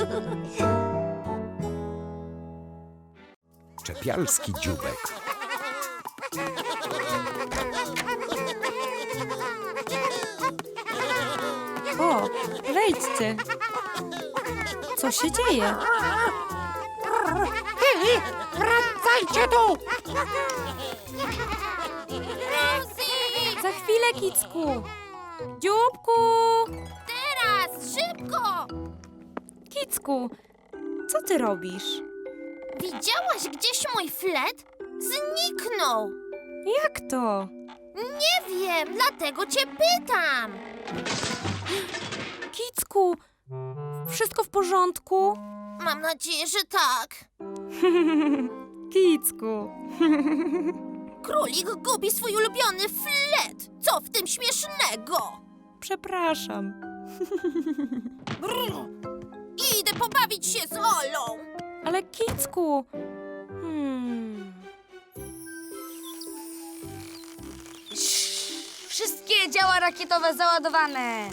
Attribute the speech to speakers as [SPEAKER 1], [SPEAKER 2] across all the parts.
[SPEAKER 1] Czepialski dzióbek.
[SPEAKER 2] O, wejdźcie. Co się dzieje?
[SPEAKER 3] Hej, wracajcie tu!
[SPEAKER 4] Rosie!
[SPEAKER 2] Za chwilę, Kicku. Dzióbku!
[SPEAKER 4] Teraz! Szybko!
[SPEAKER 2] Kicku, co ty robisz?
[SPEAKER 4] Widziałaś gdzieś mój flet? Zniknął!
[SPEAKER 2] Jak to?
[SPEAKER 4] Nie wiem, dlatego cię pytam!
[SPEAKER 2] Kicku, wszystko w porządku?
[SPEAKER 4] Mam nadzieję, że tak.
[SPEAKER 2] Kicku.
[SPEAKER 4] Królik gubi swój ulubiony flet! Co w tym śmiesznego?
[SPEAKER 2] Przepraszam.
[SPEAKER 4] Brr. Idę pobawić się z Olą!
[SPEAKER 2] Ale Kicku...
[SPEAKER 5] Wszystkie działa rakietowe załadowane.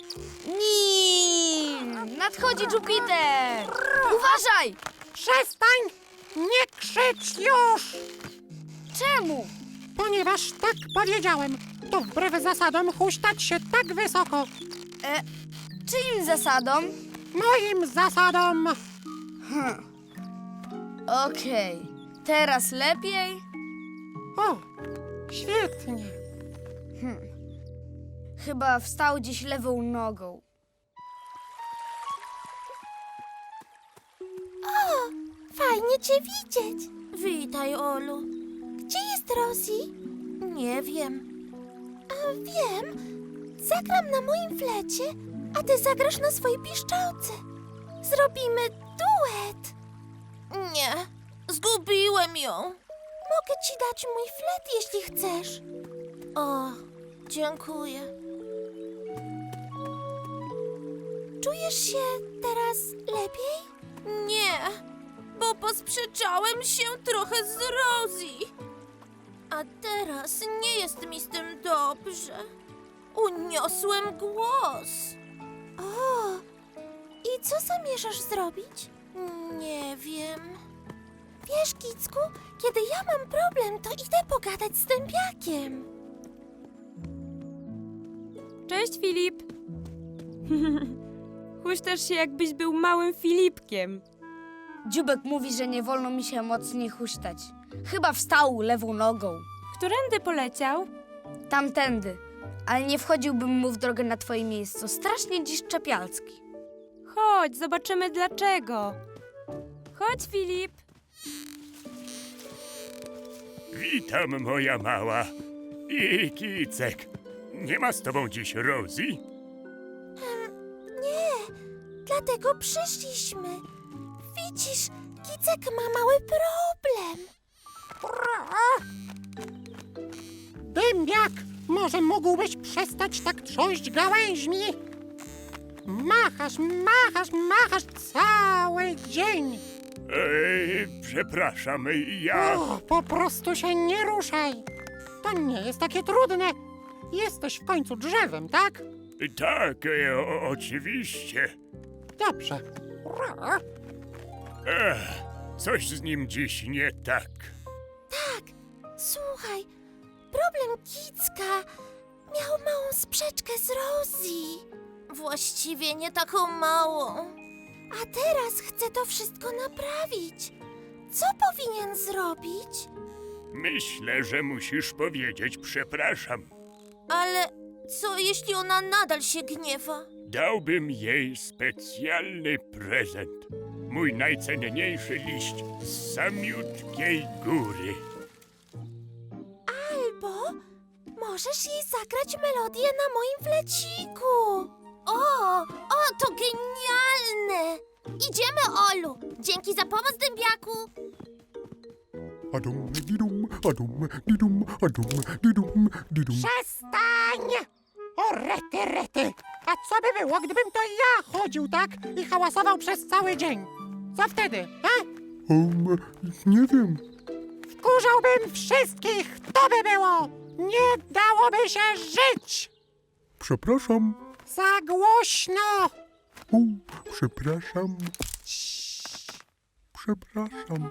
[SPEAKER 5] Nim! Nadchodzi Jupiter! Uważaj!
[SPEAKER 3] Przestań! Nie krzycz już!
[SPEAKER 5] Czemu?
[SPEAKER 3] Ponieważ tak powiedziałem. To wbrew zasadom huśtać się tak wysoko.
[SPEAKER 5] Czyim zasadom?
[SPEAKER 3] Moim zasadom.
[SPEAKER 5] Okej. Teraz lepiej?
[SPEAKER 3] O, świetnie.
[SPEAKER 5] Chyba wstał dziś lewą nogą.
[SPEAKER 4] Fajnie cię widzieć. Witaj, Olu. Gdzie jest Rosie? Nie wiem. A wiem. Zagram na moim flecie, a ty zagrasz na swojej piszczałce. Zrobimy duet. Nie, zgubiłem ją. Mogę ci dać mój flet, jeśli chcesz. O, dziękuję. Czujesz się teraz lepiej? Nie, bo posprzeczałem się trochę z Rosie. A teraz nie jest mi z tym dobrze. Uniosłem głos. O, i co zamierzasz zrobić? Nie wiem. Wiesz, Kicku, kiedy ja mam problem, to idę pogadać z dębiakiem.
[SPEAKER 2] Cześć, Filip. Huśtasz się, jakbyś był małym Filipkiem.
[SPEAKER 5] Dziubek mówi, że nie wolno mi się mocniej huśtać. Chyba wstał lewą nogą.
[SPEAKER 2] Którędy poleciał?
[SPEAKER 5] Tamtędy. Ale nie wchodziłbym mu w drogę na twoje miejsce. Strasznie dziś czepialski.
[SPEAKER 2] Chodź, zobaczymy dlaczego. Chodź, Filip.
[SPEAKER 6] Witam, moja mała. I Kicek. Nie ma z tobą dziś Rosie?
[SPEAKER 4] Nie, dlatego przyszliśmy. Widzisz, Kicek ma mały problem.
[SPEAKER 3] Dębiak, może mógłbyś przestać tak trząść gałęźmi? Machasz cały dzień.
[SPEAKER 6] Przepraszam, ja...
[SPEAKER 3] O, po prostu się nie ruszaj. To nie jest takie trudne. Jesteś w końcu drzewem, tak?
[SPEAKER 6] Tak, oczywiście.
[SPEAKER 3] Dobrze.
[SPEAKER 6] Coś z nim dziś nie tak.
[SPEAKER 4] Słuchaj, problem Kicka miał małą sprzeczkę z Rosie. Właściwie nie taką małą. A teraz chce to wszystko naprawić. Co powinien zrobić?
[SPEAKER 6] Myślę, że musisz powiedzieć przepraszam.
[SPEAKER 4] Ale co jeśli ona nadal się gniewa?
[SPEAKER 6] Dałbym jej specjalny prezent. Mój najcenniejszy liść z samiutkiej góry.
[SPEAKER 4] Albo możesz jej zagrać melodię na moim fleciku. O, to genialne! Idziemy, Olu. Dzięki za pomoc, dębiaku.
[SPEAKER 6] Adum, didum, adum, didum, adum, didum, didum.
[SPEAKER 3] Przestań! O, rety! A co by było, gdybym to ja chodził tak i hałasował przez cały dzień? Co wtedy, a?
[SPEAKER 6] Nie wiem.
[SPEAKER 3] Wkurzałbym wszystkich, to by było! Nie dałoby się żyć!
[SPEAKER 6] Przepraszam.
[SPEAKER 3] Za głośno!
[SPEAKER 6] Przepraszam. Przepraszam.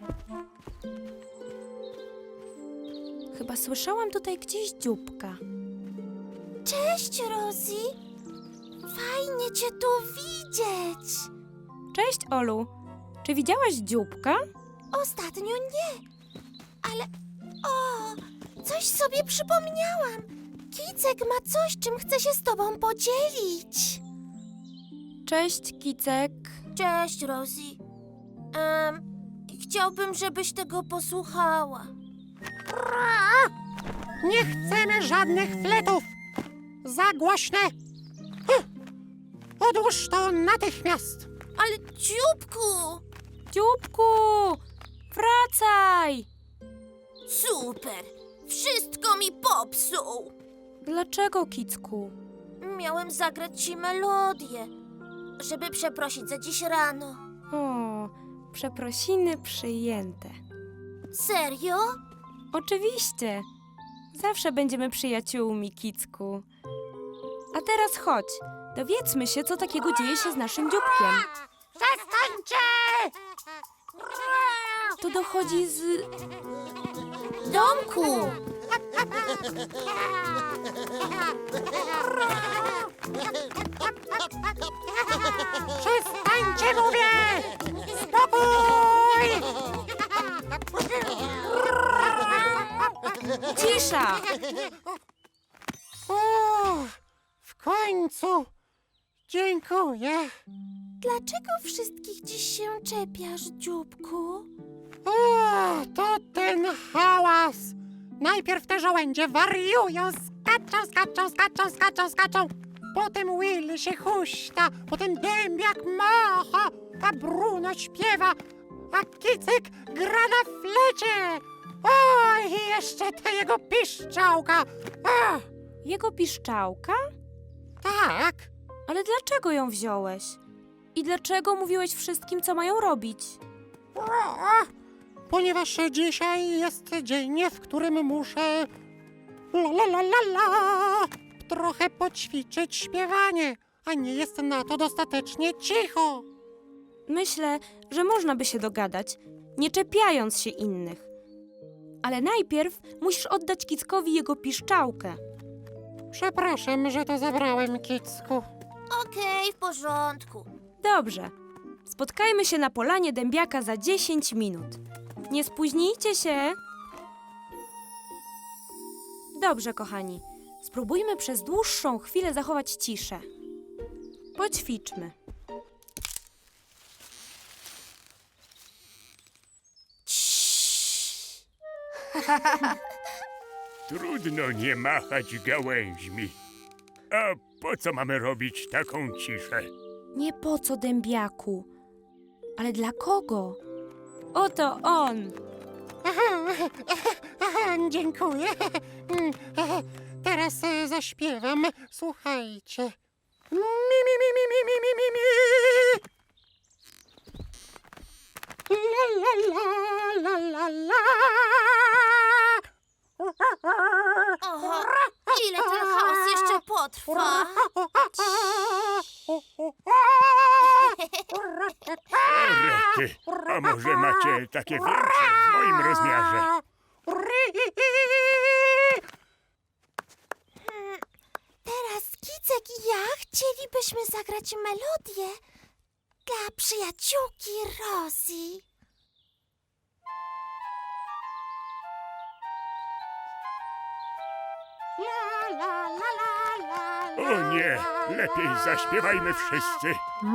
[SPEAKER 2] Chyba słyszałam tutaj gdzieś dzióbka.
[SPEAKER 4] Cześć, Rosie. Fajnie cię tu widzieć.
[SPEAKER 2] Cześć, Olu. Czy widziałaś dzióbka?
[SPEAKER 4] Ostatnio nie. Ale o, coś sobie przypomniałam. Kicek ma coś, czym chce się z tobą podzielić.
[SPEAKER 2] Cześć, Kicek.
[SPEAKER 4] Cześć, Rosie. Chciałbym, żebyś tego posłuchała.
[SPEAKER 3] Nie chcemy żadnych fletów. Za głośne. Odłóż to natychmiast.
[SPEAKER 4] Ale dzióbku!
[SPEAKER 2] Dzióbku! Wracaj!
[SPEAKER 4] Super! Wszystko mi popsuł!
[SPEAKER 2] Dlaczego, Kicku?
[SPEAKER 4] Miałem zagrać ci melodię, żeby przeprosić za dziś rano.
[SPEAKER 2] O, przeprosiny przyjęte.
[SPEAKER 4] Serio?
[SPEAKER 2] Oczywiście. Zawsze będziemy przyjaciółmi, Kicku. A teraz chodź. Dowiedzmy się, co takiego dzieje się z naszym dzióbkiem.
[SPEAKER 3] Przestańcie!
[SPEAKER 2] To dochodzi z...
[SPEAKER 4] Domku!
[SPEAKER 3] Przestańcie, mówię! Spokój!
[SPEAKER 2] Cisza!
[SPEAKER 3] O, w końcu! Dziękuję.
[SPEAKER 4] Dlaczego wszystkich dziś się czepiasz, dzióbku?
[SPEAKER 3] O, to ten hałas! Najpierw te żołędzie wariują, skaczą. Potem Will się huśta, potem dębiak macha, a Bruno śpiewa, a Kicek gra na flecie. O, i jeszcze ta jego piszczałka. O,
[SPEAKER 2] Jego piszczałka?
[SPEAKER 3] tak,
[SPEAKER 2] Ale dlaczego ją wziąłeś? I dlaczego mówiłeś wszystkim, co mają robić?
[SPEAKER 3] o, ponieważ dzisiaj jest dzień, w którym muszę trochę poćwiczyć śpiewanie, a nie jest na to dostatecznie cicho.
[SPEAKER 2] Myślę, że można by się dogadać, nie czepiając się innych. Ale najpierw musisz oddać Kickowi jego piszczałkę.
[SPEAKER 3] Przepraszam, że to zabrałem, Kicku.
[SPEAKER 4] Okej, w porządku.
[SPEAKER 2] Dobrze. Spotkajmy się na polanie dębiaka za 10 minut. Nie spóźnijcie się. Dobrze, kochani. Spróbujmy przez dłuższą chwilę zachować ciszę. Poćwiczmy.
[SPEAKER 6] Trudno nie machać gałęźmi. A po co mamy robić taką ciszę?
[SPEAKER 2] Nie po co dębiaku, ale dla kogo? Oto on.
[SPEAKER 3] Aha, dziękuję. Teraz zaśpiewam. Słuchajcie. Mi. La.
[SPEAKER 4] Oho, ile ten chaos jeszcze potrwa?
[SPEAKER 6] Rety, a może macie takie większe w moim rozmiarze?
[SPEAKER 4] Teraz Kicek i ja chcielibyśmy zagrać melodię dla przyjaciółki Rosie.
[SPEAKER 6] O nie, lepiej zaśpiewajmy wszyscy.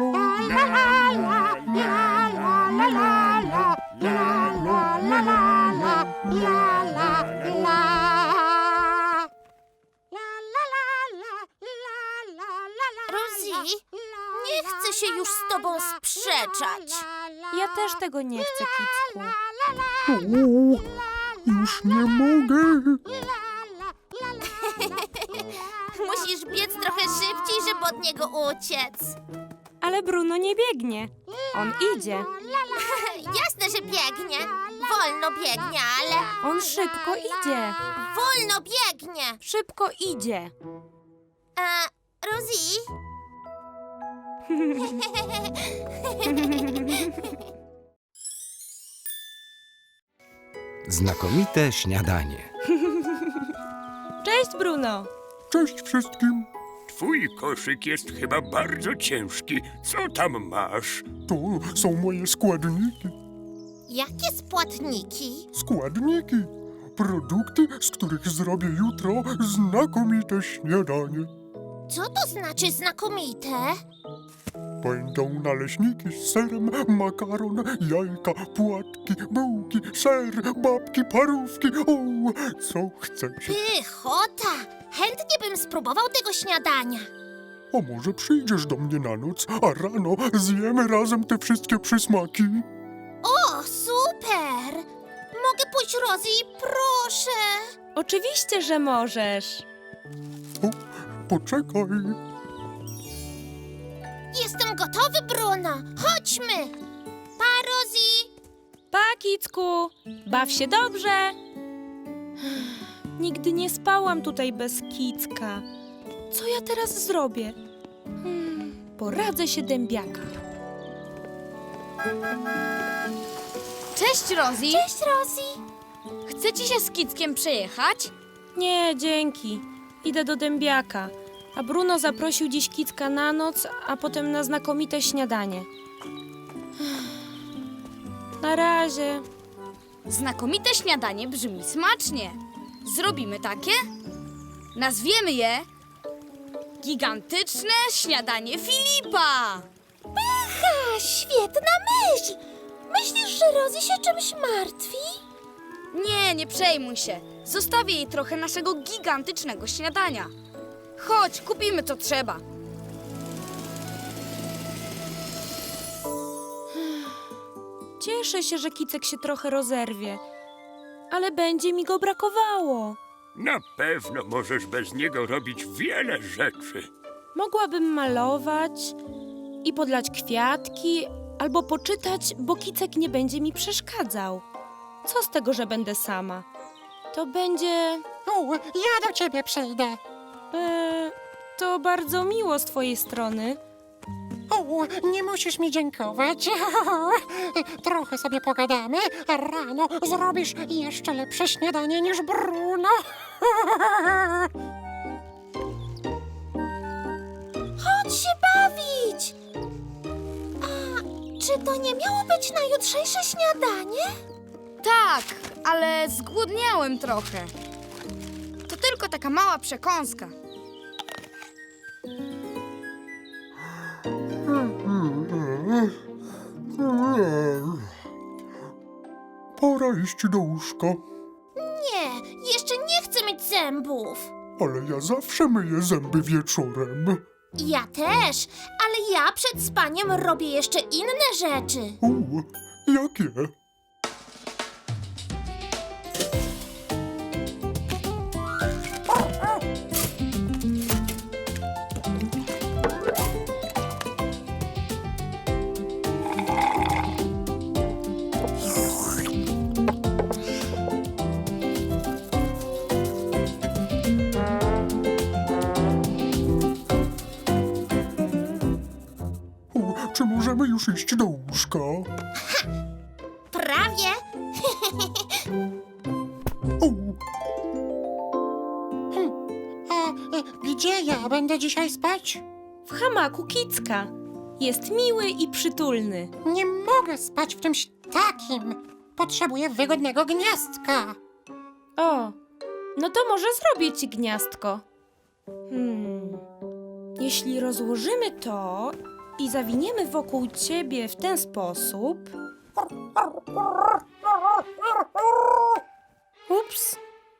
[SPEAKER 4] Rosie, nie chcę się już z tobą sprzeczać.
[SPEAKER 2] Ja też tego nie chcę, Kicku.
[SPEAKER 6] Już nie mogę.
[SPEAKER 4] Musisz biec trochę szybciej, żeby od niego uciec.
[SPEAKER 2] Ale Bruno nie biegnie. On idzie.
[SPEAKER 4] Jasne, że biegnie. Wolno biegnie, ale
[SPEAKER 2] On szybko idzie.
[SPEAKER 4] wolno biegnie.
[SPEAKER 2] Szybko idzie.
[SPEAKER 4] Rosie?
[SPEAKER 1] Znakomite śniadanie.
[SPEAKER 2] Cześć, Bruno.
[SPEAKER 6] Cześć wszystkim. Twój koszyk jest chyba bardzo ciężki. Co tam masz?
[SPEAKER 7] To są moje składniki.
[SPEAKER 4] Jakie spłatniki?
[SPEAKER 7] Składniki. Produkty, z których zrobię jutro znakomite śniadanie.
[SPEAKER 4] Co to znaczy znakomite?
[SPEAKER 7] Będą naleśniki z serem, makaron, jajka, płatki, bułki, ser, babki, parówki. O, co chcecie?
[SPEAKER 4] Pychota! Chętnie bym spróbował tego śniadania.
[SPEAKER 7] A może przyjdziesz do mnie na noc, a rano zjemy razem te wszystkie przysmaki?
[SPEAKER 4] O, super! Mogę pójść, Rosie, proszę!
[SPEAKER 2] Oczywiście, że możesz.
[SPEAKER 7] O, poczekaj.
[SPEAKER 4] Jestem gotowy, Bruno! Chodźmy! Pa, Rosie!
[SPEAKER 2] Pa, Kicku. Baw się dobrze. Nigdy nie spałam tutaj bez Kicka. Co ja teraz zrobię? Poradzę się dębiaka.
[SPEAKER 5] Cześć, Rosie.
[SPEAKER 4] Cześć, Rosie!
[SPEAKER 5] Chce ci się z Kickiem przejechać?
[SPEAKER 2] Nie, dzięki. Idę do dębiaka. A Bruno zaprosił dziś Kicka na noc, a potem na znakomite śniadanie. Na razie.
[SPEAKER 5] Znakomite śniadanie brzmi smacznie. Zrobimy takie? Nazwiemy je Gigantyczne śniadanie Filipa.
[SPEAKER 4] A, świetna myśl! Myślisz, że Rosie się czymś martwi?
[SPEAKER 5] Nie, nie przejmuj się. Zostawię jej trochę naszego gigantycznego śniadania. Chodź, kupimy co trzeba.
[SPEAKER 2] Cieszę się, że Kicek się trochę rozerwie. Ale będzie mi go brakowało.
[SPEAKER 6] Na pewno możesz bez niego robić wiele rzeczy.
[SPEAKER 2] Mogłabym malować i podlać kwiatki, albo poczytać, bo Kicek nie będzie mi przeszkadzał. Co z tego, że będę sama? To będzie...
[SPEAKER 3] Ja do ciebie przyjdę.
[SPEAKER 2] To bardzo miło z twojej strony.
[SPEAKER 3] O, nie musisz mi dziękować. Trochę sobie pogadamy, a rano zrobisz jeszcze lepsze śniadanie niż Bruno.
[SPEAKER 4] Chodź się bawić! A czy to nie miało być na jutrzejsze śniadanie?
[SPEAKER 5] Tak, ale zgłodniałem trochę. To tylko taka mała przekąska.
[SPEAKER 7] Pora iść do łóżka.
[SPEAKER 4] Nie, jeszcze nie chcę mieć zębów.
[SPEAKER 7] Ale ja zawsze myję zęby wieczorem.
[SPEAKER 4] Ja też, ale ja przed spaniem robię jeszcze inne rzeczy.
[SPEAKER 7] Jakie? Czy możemy już iść do łóżka?
[SPEAKER 4] Prawie.
[SPEAKER 7] O,
[SPEAKER 3] Gdzie ja będę dzisiaj spać?
[SPEAKER 2] W hamaku Kicka. Jest miły i przytulny.
[SPEAKER 3] Nie mogę spać w czymś takim. Potrzebuję wygodnego gniazdka.
[SPEAKER 2] O, no to może zrobię ci gniazdko. Jeśli rozłożymy to i zawiniemy wokół ciebie w ten sposób... Ups.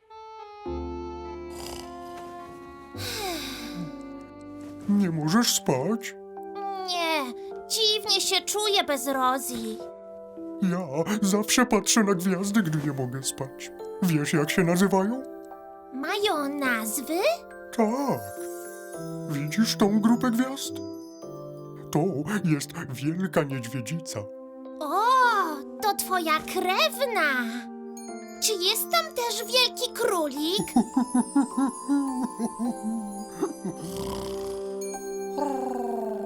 [SPEAKER 7] nie możesz spać?
[SPEAKER 4] Nie, dziwnie się czuję bez Rosie.
[SPEAKER 7] Ja zawsze patrzę na gwiazdy, gdy nie mogę spać. Wiesz, jak się nazywają?
[SPEAKER 4] Mają nazwy?
[SPEAKER 7] Tak. Widzisz tą grupę gwiazd? To jest Wielka Niedźwiedzica.
[SPEAKER 4] O, to twoja krewna. Czy jest tam też wielki królik?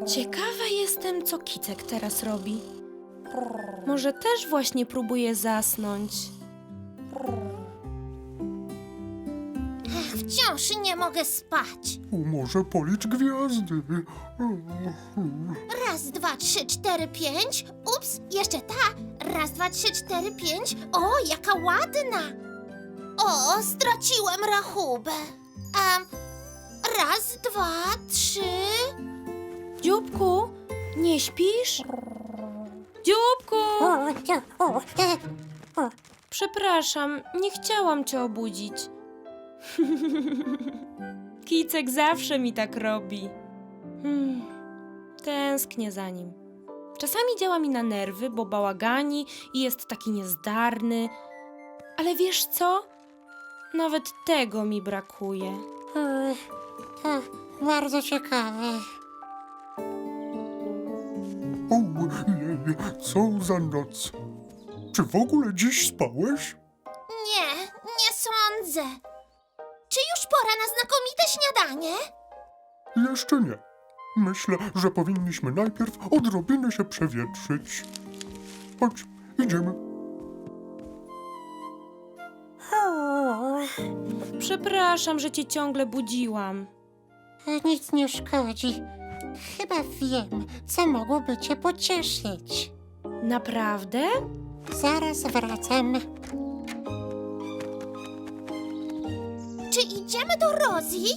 [SPEAKER 2] Ciekawa jestem, co Kicek teraz robi. Może też właśnie próbuje zasnąć.
[SPEAKER 4] Wciąż nie mogę spać.
[SPEAKER 7] Może policz gwiazdy.
[SPEAKER 4] 1, 2, 3, 4, 5. Ups, jeszcze ta. 1, 2, 3, 4, 5. O, jaka ładna. O, straciłem rachubę. 1, 2, 3.
[SPEAKER 2] Dzióbku, nie śpisz? Dzióbku! Przepraszam, nie chciałam cię obudzić. Kicek zawsze mi tak robi. Tęsknię za nim. Czasami działa mi na nerwy, bo bałagani i jest taki niezdarny. Ale wiesz co? Nawet tego mi brakuje.
[SPEAKER 3] To bardzo ciekawe.
[SPEAKER 7] Ojej, co za noc. Czy w ogóle dziś spałeś?
[SPEAKER 4] Nie, nie sądzę. Czy już pora na znakomite śniadanie?
[SPEAKER 7] Jeszcze nie. Myślę, że powinniśmy najpierw odrobinę się przewietrzyć. Chodź, idziemy.
[SPEAKER 2] Przepraszam, że cię ciągle budziłam.
[SPEAKER 3] Nic nie szkodzi. Chyba wiem, co mogłoby cię pocieszyć.
[SPEAKER 2] Naprawdę?
[SPEAKER 3] Zaraz wracam.
[SPEAKER 4] Czy idziemy do Rosie?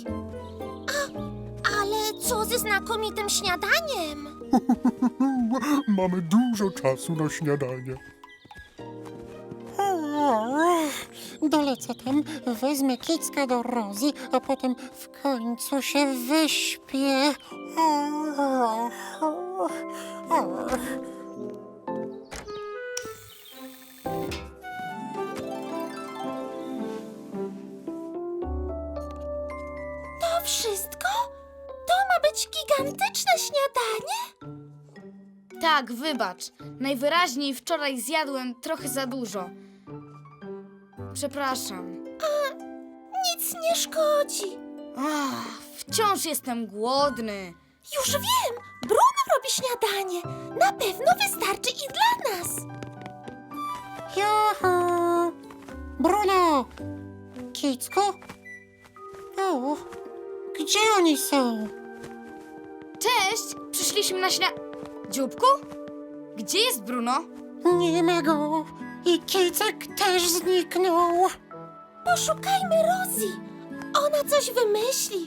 [SPEAKER 4] Ale co ze znakomitym śniadaniem?
[SPEAKER 7] Mamy dużo czasu na śniadanie.
[SPEAKER 3] Dolecę tam, wezmę Kicka do Rosie, a potem w końcu się wyśpię.
[SPEAKER 4] To wszystko? To ma być gigantyczne śniadanie?
[SPEAKER 5] Tak, wybacz. Najwyraźniej wczoraj zjadłem trochę za dużo. Przepraszam.
[SPEAKER 4] Nic nie szkodzi.
[SPEAKER 5] Wciąż jestem głodny.
[SPEAKER 4] Już wiem, Bruno robi śniadanie. Na pewno wystarczy i dla nas.
[SPEAKER 3] Juhu! Bruno! Kicku? O, gdzie oni są?
[SPEAKER 5] Cześć! Przyszliśmy na Dzióbku? Gdzie jest Bruno?
[SPEAKER 3] Nie ma go. I Kicek też zniknął.
[SPEAKER 4] Poszukajmy Rosie. Ona coś wymyśli.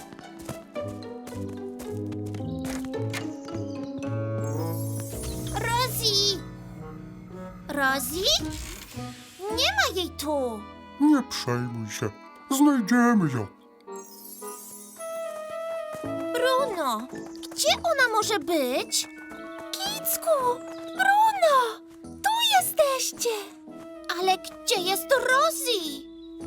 [SPEAKER 4] Rosie! Rosie? Nie ma jej tu.
[SPEAKER 7] Nie przejmuj się. Znajdziemy ją.
[SPEAKER 4] Bruno, gdzie ona może być? Kicku! Bruno! Tu jesteście! Ale gdzie jest Rosie?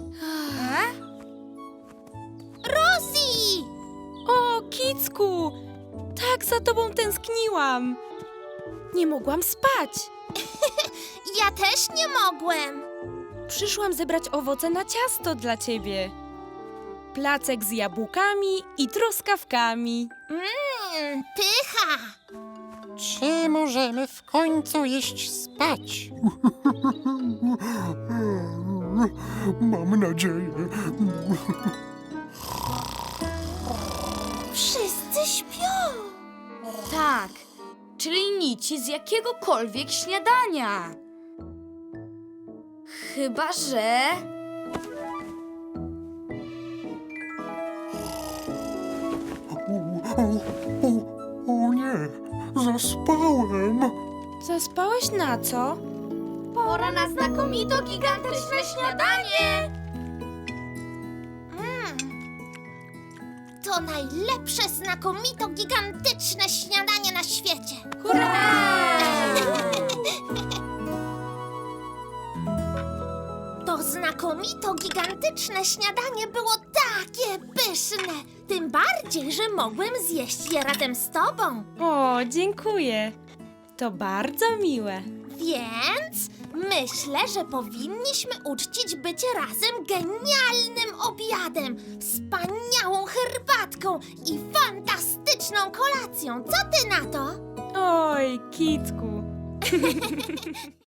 [SPEAKER 4] Rosie!
[SPEAKER 2] O, Kicku! Tak za tobą tęskniłam. Nie mogłam spać.
[SPEAKER 4] Ja też nie mogłem.
[SPEAKER 2] Przyszłam zebrać owoce na ciasto dla ciebie. Placek z jabłkami i truskawkami.
[SPEAKER 4] Pycha!
[SPEAKER 3] Czy możemy w końcu iść spać?
[SPEAKER 7] Mam nadzieję.
[SPEAKER 4] Wszyscy śpią.
[SPEAKER 5] Tak, czyli nici z jakiegokolwiek śniadania. Chyba, że...
[SPEAKER 7] O nie, zaspałem.
[SPEAKER 2] Zaspałeś na co?
[SPEAKER 5] Pora na znakomito gigantyczne śniadanie!
[SPEAKER 4] To najlepsze, znakomito, gigantyczne śniadanie na świecie. To znakomito, gigantyczne śniadanie było takie pyszne. Tym bardziej, że mogłem zjeść je razem z tobą.
[SPEAKER 2] O, dziękuję. To bardzo miłe.
[SPEAKER 4] Więc myślę, że powinniśmy uczcić bycie razem genialnym obiadem, wspaniałą herbatką i fantastyczną kolacją. Co ty na to?
[SPEAKER 2] Oj, Kicku.